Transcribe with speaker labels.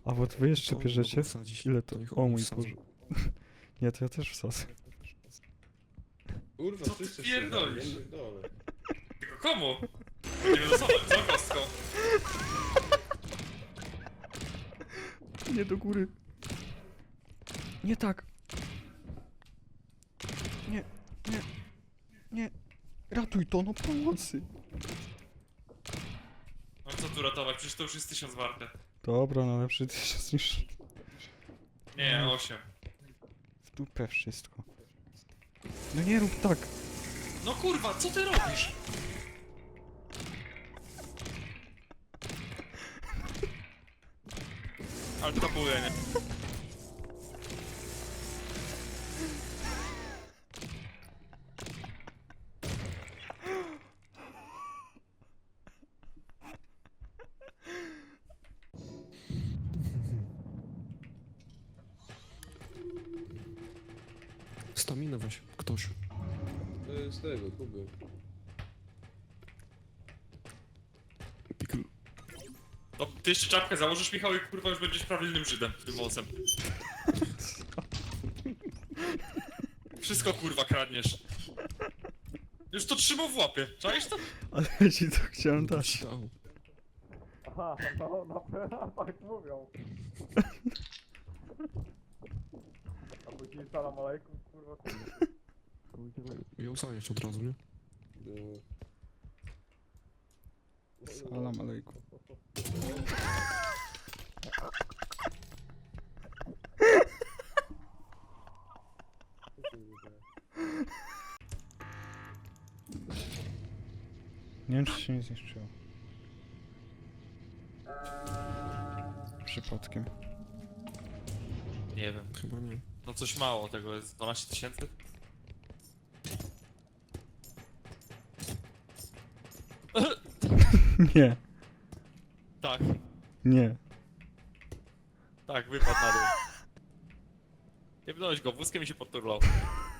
Speaker 1: A bo wy jeszcze
Speaker 2: To
Speaker 1: bierzecie?
Speaker 2: mogą wsadzić.
Speaker 1: Ile to?
Speaker 2: niech
Speaker 1: O
Speaker 2: oni
Speaker 1: mój
Speaker 2: wsadzą.
Speaker 1: Boże. Nie, to ja też wsadzę.
Speaker 3: Kurwa,
Speaker 4: Co ty
Speaker 3: wszyscy
Speaker 4: pierdolisz?
Speaker 3: się dole.
Speaker 4: Tylko komu? Nie wylosować, co kostką?
Speaker 1: Nie do góry. Nie tak. Nie, nie, nie. Ratuj to, no pomocy.
Speaker 4: No co tu ratować? Przecież to już jest 1000 warte.
Speaker 1: Dobra, no lepszy 1000 niż
Speaker 4: Nie, 8.
Speaker 1: w dupę wszystko. No nie rób tak.
Speaker 4: No kurwa, co ty robisz? Ale to było, nie?
Speaker 2: Staminę weź, ktoś.
Speaker 3: To jest tego, Kuby.
Speaker 2: Pikl.
Speaker 4: No, ty jeszcze czapkę założysz, Michał, i kurwa już będziesz prawilnym Żydem tym włosem. Wszystko kurwa kradniesz. Już to trzymał w łapie, czaisz to?
Speaker 1: Ale ja ci to chciałem dać.
Speaker 2: Stał.
Speaker 5: Aha, no, tak mówią. A później salam alejkum, kurwa.
Speaker 2: Ją zanieść od razu, nie?
Speaker 3: No.
Speaker 1: Salam alejkum. Nie wiem, czy się nie zniszczyło. Przypadkiem.
Speaker 4: Nie wiem.
Speaker 2: Chyba nie.
Speaker 4: No coś mało tego jest, 12 000?
Speaker 1: Nie,
Speaker 4: Tak,
Speaker 1: nie.
Speaker 4: tak, wypadł na dół. Nie wdałeś go, wózkiem mi się podturlał.